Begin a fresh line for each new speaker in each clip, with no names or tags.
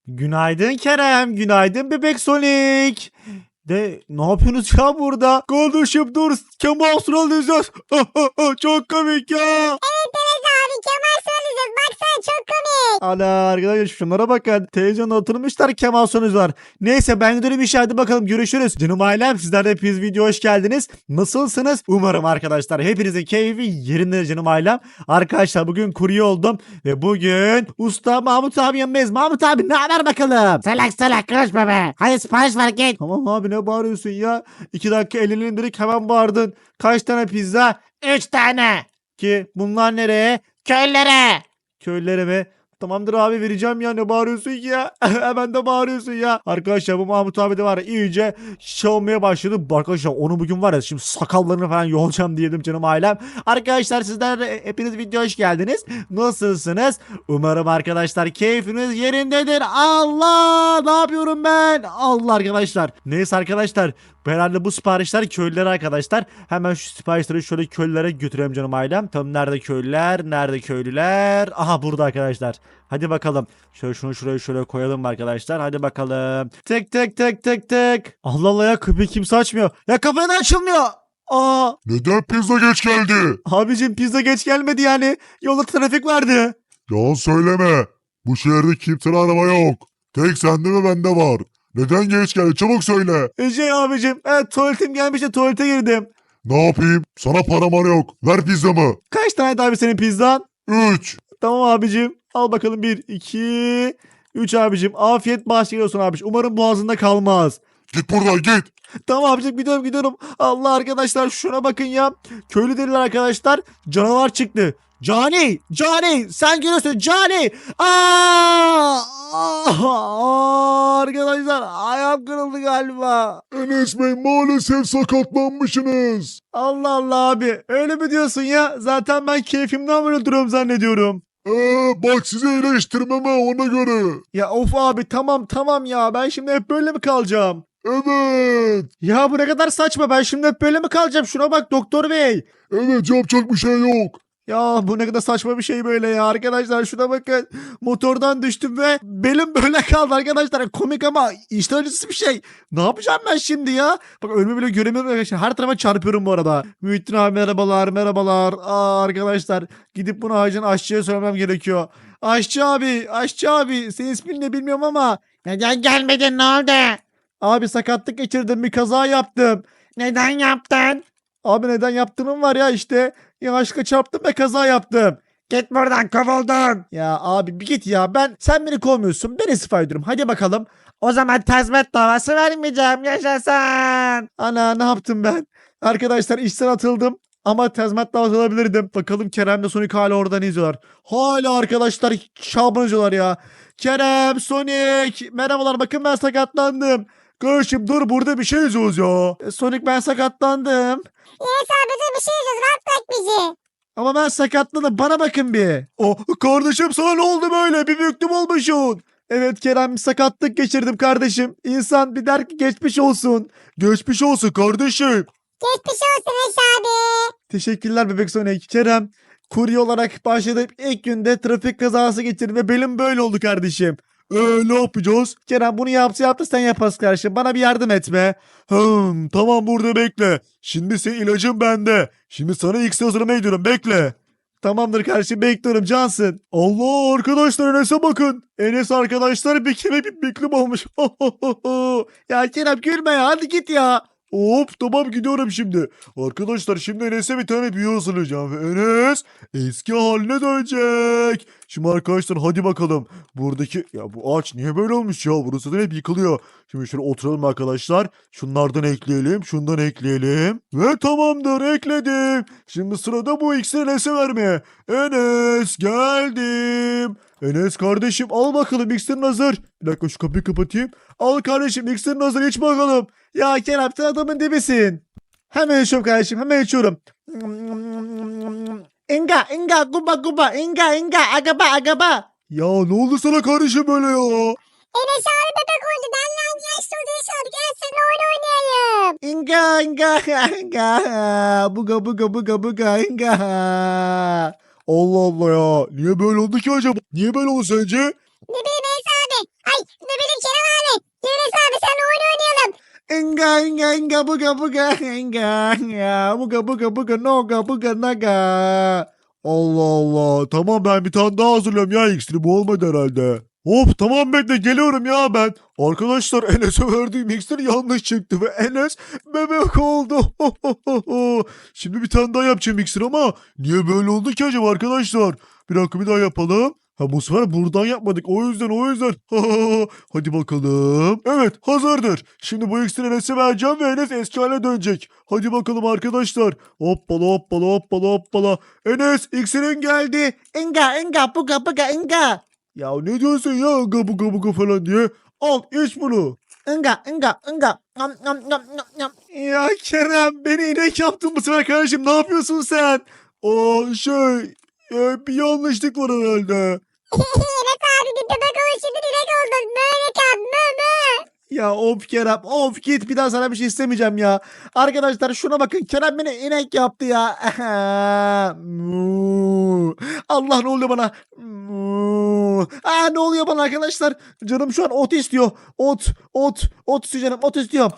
Günaydın Kerem, günaydın Bebek Sonic. Ne yapıyorsunuz ya burada? Kardeşim dur, Kemal Sunal izliyoruz. Çok komik ya.
Abi Kemal Sunal baksana çok komik.
Ana arkadaşlar şunlara bakın. Televizyonda oturmuşlar Kemal Sunal var. Neyse ben gidiyorum işe, hadi bakalım görüşürüz. Canım ailem, sizler de hepiniz video hoş geldiniz. Nasılsınız? Umarım arkadaşlar hepinizin keyfi yerinde canım ailem. Arkadaşlar bugün kurye oldum ve bugün usta Mahmut abi yanındayız. Mahmut abi ne haber bakalım?
Salak konuşma be. Hadi sipariş ver git.
Tamam abi, ne bağırıyorsun ya? 2 dakika elini indirdik hemen bağırdın. Kaç tane pizza?
3 tane.
Ki bunlar nereye?
Köylere.
Köylere mi? Tamamdır abi, vereceğim ya, ne bağırıyorsun ki ya? Hemen de bağırıyorsun ya. Arkadaşlar bu Mahmut abi de var ya, iyice şey olmaya başladı. Arkadaşlar onu bugün var ya, şimdi sakallarını falan yolacağım diyelim canım ailem. Arkadaşlar sizler de hepiniz video hoş geldiniz. Nasılsınız? Umarım arkadaşlar keyfiniz yerindedir. Allah, ne yapıyorum ben? Allah arkadaşlar. Neyse arkadaşlar, herhalde bu siparişler köylülere arkadaşlar. Hemen şu siparişleri şöyle köylülere götüreyim canım ailem. Tam nerede köylüler? Nerede köylüler? Aha burada arkadaşlar. Hadi bakalım. Şöyle şunu şuraya şöyle koyalım arkadaşlar. Hadi bakalım. Tek tek tek tek tek. Allah Allah ya, kapıyı kimse açmıyor. Ya kapı neden açılmıyor? Aa,
Neden pizza geç geldi?
abicim pizza geç gelmedi yani. Yolda trafik vardı.
Yalan söyleme. Bu şehirde kimsenin araba yok. Tek sende ve bende var. Neden geç geldi? Çabuk söyle.
Abicim, evet tuvaletim gelmiş de tuvalete girdim.
Ne yapayım? Sana param yok. Ver pizzamı.
Kaç tane abi senin pizzan?
3.
Tamam abicim. Al bakalım, 1, 2, 3 abicim. Afiyet bahşişler olsun abicim. Umarım boğazında kalmaz.
Git buradan git.
Tamam abicim, gidiyorum. Allah arkadaşlar şuna bakın ya. Köylü deliler arkadaşlar. Canavar çıktı. Cani sen görüyorsun Cani. Arkadaşlar ayağım kırıldı galiba.
Enes Bey maalesef sakatlanmışsınız.
Allah Allah abi, öyle mi diyorsun ya? Zaten ben keyfimden böyle duruyorum zannediyorum.
Bak sizi iyileştirmeme ona göre.
Ya of abi, tamam ya, ben şimdi hep böyle mi kalacağım?
Evet.
Ya bu ne kadar saçma, ben şimdi hep böyle mi kalacağım? Şuna bak doktor bey.
Evet yapacak bir şey yok.
Ya bu ne kadar saçma bir şey böyle ya arkadaşlar, şuna bakın. Motordan düştüm ve belim böyle kaldı arkadaşlar. Komik ama işte acısı bir şey. Ne yapacağım ben şimdi ya? Bak önümü bile göremiyorum arkadaşlar. Her tarafa çarpıyorum bu arada. Muhittin abi merhabalar. Arkadaşlar gidip bunu ağacın aşçıya söylemem gerekiyor. Aşçı abi senin ismin ne bilmiyorum ama.
Neden gelmedin, ne oldu?
Abi sakatlık geçirdim, bir kaza yaptım.
Neden yaptın?
Abi neden yaptığım var ya işte. Yanlışlıkla çarptım ve kaza yaptım.
Git buradan, kovuldun.
Ya abi bir git ya, sen beni kovmuyorsun, ben istifa ediyorum, hadi bakalım.
O zaman tazminat davası vermeyeceğim, yaşasın.
Ana, ne yaptım ben? Arkadaşlar işten atıldım ama tazminat davası alabilirdim. Bakalım Kerem'le Sonic hala oradan izliyorlar. Hala arkadaşlar şaban izliyorlar ya. Kerem, Sonic merhabalar, bakın ben sakatlandım. Kardeşim dur, burada bir şey izliyoruz ya. Sonic ben sakatlandım.
Yes abi dur, bir şey yazıyoruz, rahat bırak bizi.
Ama ben sakatladım, bana bakın bir. Oh kardeşim, sana ne oldu böyle, bir büyüklüm olmuşsun. Evet Kerem, sakatlık geçirdim kardeşim. İnsan bir der ki geçmiş olsun. Geçmiş olsun kardeşim.
Geçmiş olsun Enes abi.
Teşekkürler Bebek Sonic. Kerem, kurye olarak başladım, ilk günde trafik kazası geçirdim ve belim böyle oldu kardeşim. Ne yapacağız? Kerem bunu yaptı sen yaparsın kardeşim. Bana bir yardım etme. Tamam burada bekle. Şimdi senin ilacın bende. Şimdi sana X'e hazırlamaya gidiyorum, bekle. Tamamdır kardeşim, bekliyorum cansın. Allah arkadaşlar, Enes'e bakın. Enes arkadaşlar bir kere bir büklüm olmuş. Ya Kerem gülme ya, hadi git ya. Hop tamam, gidiyorum şimdi. Arkadaşlar şimdi Enes'e bir tane büyü hazırlayacağım. Ve Enes eski haline dönecek. Şimdi arkadaşlar hadi bakalım. Buradaki ya bu ağaç niye böyle olmuş ya? Burası zaten hep yıkılıyor. Şimdi şöyle oturalım arkadaşlar. Şunlardan ekleyelim. Şundan ekleyelim. Ve tamamdır, ekledim. Şimdi sırada bu iksiri Enes'e vermeye. Enes geldim. Enes kardeşim al bakalım, iksirin hazır. Bir dakika şu kapıyı kapatayım. Al kardeşim, iksirin hazır, iç bakalım. Ya Kerem sen adamın dibisin. Hemen içiyorum kardeşim, hemen içiyorum. Inga guba inga agaba. Ya ne oldu sana kardeşim böyle ya?
Enes abi bebek oldu, benle aynı yaşta olduğu sordu, gel seninle oyun oynayalım.
Inga buga inga. Allah Allah ya. Niye böyle oldu ki acaba? Niye böyle oldu sence?
Ne bileyim Enes abi. Ay
Enga enga enga buga buga enga ya buga buga buga noga buga naga. Allah Allah. Tamam ben bir tane daha hazırlıyorum ya iksiri. Bu olmadı herhalde. Hop tamam bekle geliyorum ya ben. Arkadaşlar Enes'e verdiğim iksir yanlış çıktı ve Enes bebek oldu. Şimdi bir tane daha yapacağım iksir ama niye böyle oldu ki acaba arkadaşlar? Bir dakika bir daha yapalım. Ha bu sefer buradan yapmadık. O yüzden. Hadi bakalım. Evet hazırdır. Şimdi bu iksiri Enes'e vereceğim ve Enes eski haline dönecek. Hadi bakalım arkadaşlar. Hoppala hoppala hoppala hoppala. Enes iksirin geldi.
Enga enga buga buga enga.
Ya ne diyorsun ya gabu gabu gabu falan diye. Al iç bunu.
Enga enga enga. Nam nam nam nam nam.
Ya Kerem beni inek yaptın bu sefer kardeşim. Ne yapıyorsun sen? Bir yanlışlık var herhalde.
Enes abi bir bebek olmuş şimdi direkt oldun. Böyle kal mı mı.
Ya of Kerem of git bir daha sana bir şey istemeyeceğim ya. Arkadaşlar şuna bakın Kerem beni inek yaptı ya. Mu. Allah ne oluyor bana? Mu. Ne oluyor bana arkadaşlar? Canım şu an ot istiyor. Ot istiyor canım ot istiyor.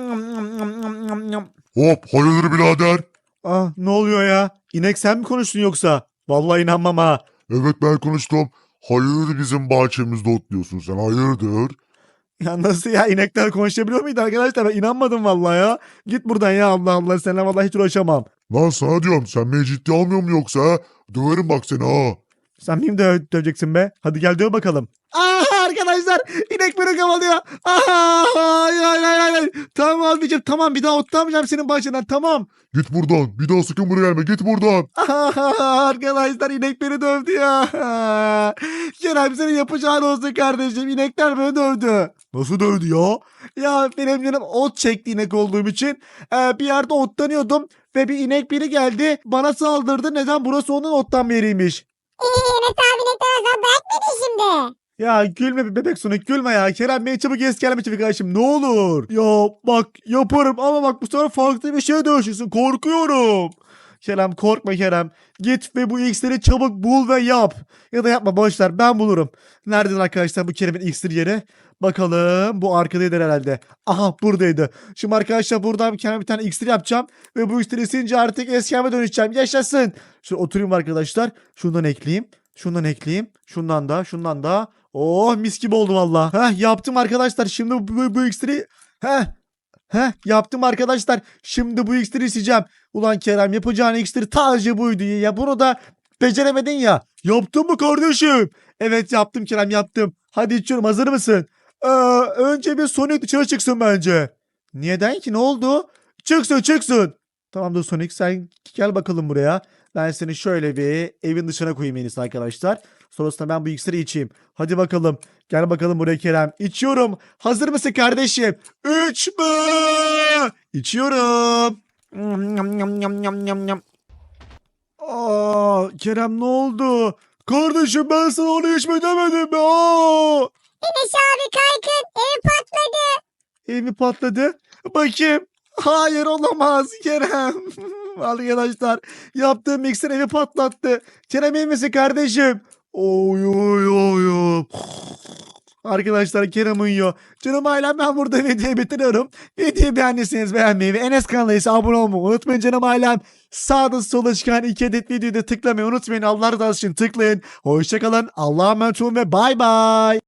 Hop hayırdır birader?
Ne oluyor ya? İnek sen mi konuştun yoksa? Vallahi inanmam ha.
Evet ben konuştum. Hayırdır bizim bahçemizde otluyorsun sen hayırdır?
Ya nasıl ya inekler konuşabiliyor muydu arkadaşlar? Ben inanmadım vallahi ya. Git buradan ya Allah Allah seninle vallahi hiç uğraşamam.
Lan sana diyorum sen beni ciddi almıyor mu yoksa ha? Döverim bak seni ha.
Sen miyim döveceksin be? Hadi gel döv bakalım. Arkadaşlar inek beni kovalıyor. Hayır. Tamam abicim tamam bir daha otlamayacağım senin başından tamam.
Git buradan bir daha sakın buraya gelme git buradan.
Arkadaşlar inek beni dövdü ya. Kerem senin yapacağın olsun kardeşim. İnekler beni dövdü. Nasıl dövdü ya? Ya benim canım ot çekti inek olduğum için. Bir yerde otlanıyordum. Ve bir inek biri geldi. Bana saldırdı. Neden? Burası onun ottan yeriymiş.
Enes abi ne kadar bırak beni şimdi.
Ya gülme bir bebek Sonic gülme ya. Kerem beni çabuk gelme çabuk kardeşim ne olur. Ya bak yaparım ama bak bu sefer farklı bir şeye dönüşürsün. Korkuyorum. Kerem korkma Kerem. Git ve bu iksiri çabuk bul ve yap. Ya da yapma boşver ben bulurum. Nereden arkadaşlar bu Kerem'in iksir yeri? Bakalım bu arkadaydı herhalde. Aha buradaydı. Şimdi arkadaşlar buradan kendime bir tane iksir yapacağım. Ve bu iksiri isince artık eski halime dönüşeceğim. Yaşasın. Şöyle oturayım arkadaşlar. Şundan ekleyeyim. Şundan da. Oh mis gibi oldu valla. Yaptım arkadaşlar. Şimdi bu iksiri. Yaptım arkadaşlar. Şimdi bu iksiri içeceğim. Ulan Kerem yapacağın iksir tacı buydu ya. Bunu da beceremedin ya. Yaptın mı kardeşim? Evet yaptım Kerem yaptım. Hadi içiyorum hazır mısın? Önce bir Sonic dışarı çıksın bence. Neden ki ne oldu? Çıksın. Tamamdır Sonic sen gel bakalım buraya. Ben seni şöyle bir evin dışına koyayım en iyisi arkadaşlar. Sonrasında ben bu iksiri içeyim. Hadi bakalım. Gel bakalım buraya Kerem. İçiyorum. Hazır mısın kardeşim? İçme. İçiyorum. Kerem ne oldu? Kardeşim ben sana onu içme demedim mi?
Enes abi kaykın ev patladı.
Ev mi patladı? Bakayım. Hayır olamaz Kerem. Arkadaşlar yaptığım mikser evi patlattı. Kerem iyi misin kardeşim? Oy. Arkadaşlar Kerem uyuyor. Canım ailem ben burada videoyu bitiriyorum. Videoyu beğendiyseniz beğenmeyi ve Enes kanalına ise abone olmayı unutmayın canım ailem. Sağda sola çıkan 2 adet videoyu da tıklamayı unutmayın. Allah razı olsun tıklayın. Hoşçakalın. Allah'a emanet olun ve bay bay.